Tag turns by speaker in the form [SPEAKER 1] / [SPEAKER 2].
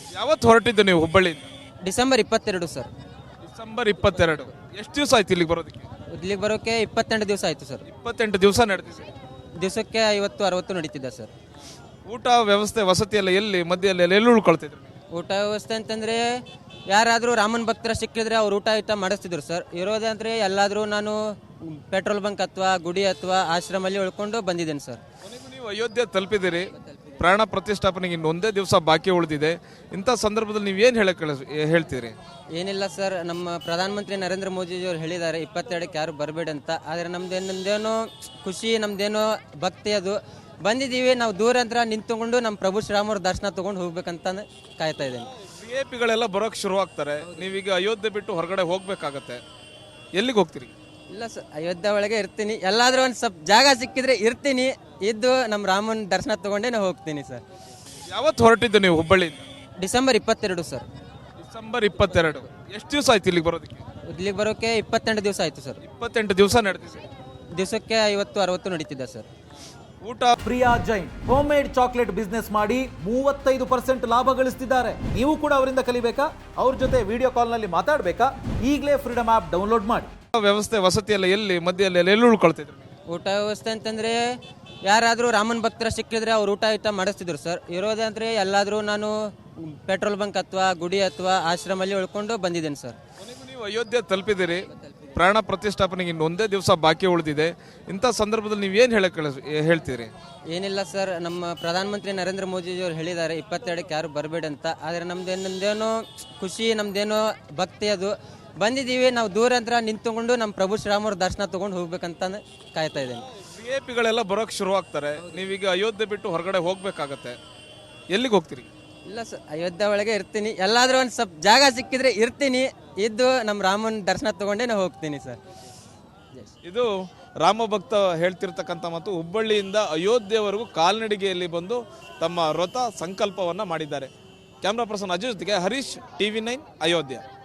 [SPEAKER 1] ಯಾವತ್ತು ಹೊರಟಿದ್ದು ನೀವು ಹುಬ್ಬಳ್ಳಿಯಿಂದ?
[SPEAKER 2] December 22 sir.
[SPEAKER 1] ಡಿಸೆಂಬರ್ 22. ಎಷ್ಟು ದಿವಸ ಆಯ್ತು ಇಲ್ಲಿಗೆ ಬರೋದಕ್ಕೆ?
[SPEAKER 2] ಇಲ್ಲಿಗೆ ಬರೋಕೆ 28 ದಿವಸ ಆಯಿತು ಸರ್.
[SPEAKER 1] 28 ದಿವಸ ನಡೆದಿದೆ.
[SPEAKER 2] ದಿವಸಕ್ಕೆ 50-60 ನಡೀತಿದೆ ಸರ್.
[SPEAKER 1] ಊಟ ವ್ಯವಸ್ಥೆ ವಸತಿ ಎಲ್ಲ ಎಲ್ಲಿ ಮಧ್ಯದಲ್ಲಿ ಎಲ್ಲಿ ಉಳ್ಕೊಳ್ತಿದ್ರು?
[SPEAKER 2] ಊಟ ವ್ಯವಸ್ಥೆ ಅಂತಂದರೆ ಯಾರಾದರೂ ರಾಮನ ಭಕ್ತರ ಸಿಕ್ಕಿದ್ರೆ ಅವ್ರು ಊಟ ಮಾಡಿಸ್ತಿದ್ರು ಸರ್. ಇರೋದೇ ಅಂದರೆ ಎಲ್ಲಾದರೂ ನಾನು ಪೆಟ್ರೋಲ್ ಬಂಕ್ ಅಥವಾ ಗುಡಿ ಅಥವಾ ಆಶ್ರಮಲ್ಲಿ ಉಳ್ಕೊಂಡು ಬಂದಿದ್ದೇನೆ ಸರ್.
[SPEAKER 1] ಕೊನೆಗೂ ನೀವು ಅಯೋಧ್ಯೆ ತಲುಪಿದಿರಿ. ಪ್ರಾಣ ಪ್ರತಿಷ್ಠಾಪನೆಗೆ ಇನ್ನೊಂದೇ ದಿವಸ ಬಾಕಿ ಉಳಿದಿದೆ. ಇಂಥ ಸಂದರ್ಭದಲ್ಲಿ ನೀವು ಏನು ಹೇಳ್ತೀರಿ?
[SPEAKER 2] ಏನಿಲ್ಲ ಸರ್, ನಮ್ಮ ಪ್ರಧಾನಮಂತ್ರಿ ನರೇಂದ್ರ ಮೋದಿಜಿಯವರು ಹೇಳಿದ್ದಾರೆ 22ಕ್ಕೆ ಯಾರು ಬರಬೇಡಿ ಅಂತ. ಆದರೆ ನಮ್ದೇನೋ ಖುಷಿ, ನಮ್ದೇನೋ ಭಕ್ತಿ ಅದು ಬಂದಿದ್ದೀವಿ. ನಾವು ದೂರ ಅಂತ ನಿಂತ್ಕೊಂಡು ನಮ್ಮ ಪ್ರಭು ಶ್ರೀರಾಮವ್ರ ದರ್ಶನ ತೊಗೊಂಡು ಹೋಗ್ಬೇಕಂತ ಕಾಯ್ತಾ ಇದ್ದೇನೆ.
[SPEAKER 1] VIP ಬರೋಕ್ಕೆ ಶುರು ಆಗ್ತಾರೆ. ನೀವೀಗ ಅಯೋಧ್ಯೆ ಬಿಟ್ಟು ಹೊರಗಡೆ ಹೋಗ್ಬೇಕಾಗತ್ತೆ. ಎಲ್ಲಿಗೆ ಹೋಗ್ತೀರಿ?
[SPEAKER 2] ಇಲ್ಲ ಸರ್, ಅಯೋಧ್ಯೆ ಒಳಗೆ ಇರ್ತೀನಿ. ಎಲ್ಲಾದರೂ ಒಂದು ಸ್ವಲ್ಪ ಜಾಗ ಸಿಕ್ಕಿದ್ರೆ ಇರ್ತೀನಿ. ಇದ್ದು ನಮ್ಮ ರಾಮನ ದರ್ಶನ ತೊಗೊಂಡೇ ನಾವು ಹೋಗ್ತೀನಿ ಸರ್.
[SPEAKER 1] ಯಾವತ್ತು ಹೊರಟಿದ್ದು ನೀವು ಹುಬ್ಬಳ್ಳಿಯಿಂದ?
[SPEAKER 2] December 22 sir.
[SPEAKER 1] ಡಿಸೆಂಬರ್ 22. ಎಷ್ಟು ದಿವಸ ಆಯ್ತು ಇಲ್ಲಿಗೆ ಬರೋದಕ್ಕೆ?
[SPEAKER 2] ಇಲ್ಲಿಗೆ ಬರೋಕೆ 28 ದಿವಸ ಆಯಿತು ಸರ್.
[SPEAKER 1] 28 ದಿವಸ ನಡೆದಿದೆ.
[SPEAKER 2] ದಿವಸಕ್ಕೆ 50-60 ನಡೀತಿದೆ ಸರ್.
[SPEAKER 1] ಊಟ
[SPEAKER 3] Priya Jain home made chocolate business ಮಾಡಿ 35% ಲಾಭ ಗಳಿಸ್ತಿದ್ದಾರೆ. ನೀವು ಕೂಡ ಅವರಿಂದ ಕಲಿಬೇಕಾ? ಅವ್ರ ಜೊತೆ ವಿಡಿಯೋ ಕಾಲ್ನಲ್ಲಿ ಮಾತಾಡಬೇಕಾ? ಈಗಲೇ ಫ್ರೀಡಮ್ ಆ್ಯಪ್ ಡೌನ್ಲೋಡ್ ಮಾಡಿ.
[SPEAKER 1] ವ್ಯವಸ್ಥೆ ವಸತಿ ಎಲ್ಲ ಎಲ್ಲಿ ಮಧ್ಯದಲ್ಲಿ ಎಲ್ಲಿ ಉಳ್ಕೊಳ್ತಿದ್ರು?
[SPEAKER 2] ಊಟ ವ್ಯವಸ್ಥೆ ಅಂತಂದರೆ ಯಾರಾದರೂ ರಾಮನ ಭಕ್ತರ ಸಿಕ್ಕಿದ್ರೆ ಅವ್ರು ಊಟ ಮಾಡಿಸ್ತಿದ್ರು ಸರ್. ಇರೋದೇ ಅಂದರೆ ಎಲ್ಲಾದರೂ ನಾನು ಪೆಟ್ರೋಲ್ ಬಂಕ್ ಅಥವಾ ಗುಡಿ ಅಥವಾ ಆಶ್ರಮಲ್ಲಿ ಉಳ್ಕೊಂಡು ಬಂದಿದ್ದೇನೆ ಸರ್.
[SPEAKER 1] ಕೊನೆಗೂ ನೀವು ಅಯೋಧ್ಯೆ ತಲುಪಿದಿರಿ. ಪ್ರಾಣ ಪ್ರತಿಷ್ಠಾಪನೆಗೆ ಇನ್ನೊಂದೇ ದಿವಸ ಬಾಕಿ ಉಳಿದಿದೆ. ಇಂಥ ಸಂದರ್ಭದಲ್ಲಿ ನೀವು ಏನು ಹೇಳ್ತೀರಿ?
[SPEAKER 2] ಏನಿಲ್ಲ ಸರ್, ನಮ್ಮ ಪ್ರಧಾನಮಂತ್ರಿ ನರೇಂದ್ರ ಮೋದಿಜಿಯವರು ಹೇಳಿದ್ದಾರೆ 22ಕ್ಕೆ ಯಾರು ಬರಬೇಡಿ ಅಂತ. ಆದರೆ ನಮ್ದೇನೋ ಖುಷಿ, ನಮ್ದೇನೋ ಭಕ್ತಿ ಅದು ಬಂದಿದ್ದೀವಿ. ನಾವು ದೂರ ಅಂತ ನಿಂತ್ಕೊಂಡು ನಮ್ಮ ಪ್ರಭು ಶ್ರೀರಾಮವ್ರ ದರ್ಶನ ತೊಗೊಂಡು ಹೋಗ್ಬೇಕಂತ ಕಾಯ್ತಾ ಇದ್ದೇನೆ.
[SPEAKER 1] VIP ಬರೋಕ್ಕೆ ಶುರು ಆಗ್ತಾರೆ. ನೀವೀಗ ಅಯೋಧ್ಯೆ ಬಿಟ್ಟು ಹೊರಗಡೆ ಹೋಗ್ಬೇಕಾಗತ್ತೆ. ಎಲ್ಲಿಗೆ ಹೋಗ್ತೀರಿ?
[SPEAKER 2] ಇಲ್ಲ ಸರ್, ಅಯೋಧ್ಯೆ ಒಳಗೆ ಇರ್ತೀನಿ. ಎಲ್ಲಾದರೂ ಒಂದು ಸ್ವಲ್ಪ ಜಾಗ ಸಿಕ್ಕಿದ್ರೆ ಇರ್ತೀನಿ. ಇದ್ದು ನಮ್ಮ ರಾಮನ ದರ್ಶನ ತೊಗೊಂಡೇ ನಾವು ಹೋಗ್ತೀನಿ ಸರ್.
[SPEAKER 1] ಇದು ರಾಮಭಕ್ತ ಹೇಳ್ತಿರ್ತಕ್ಕಂಥ ಮತ್ತು ಹುಬ್ಬಳ್ಳಿಯಿಂದ ಅಯೋಧ್ಯೆವರೆಗೂ ಕಾಲ್ನಡಿಗೆಯಲ್ಲಿ ಬಂದು ತಮ್ಮ ವ್ರತ ಸಂಕಲ್ಪವನ್ನು ಮಾಡಿದ್ದಾರೆ. ಕ್ಯಾಮ್ರಾ ಪರ್ಸನ್ ಅಜಯ್ ಜೊತೆಗೆ ಹರೀಶ್, TV9 ಅಯೋಧ್ಯೆ.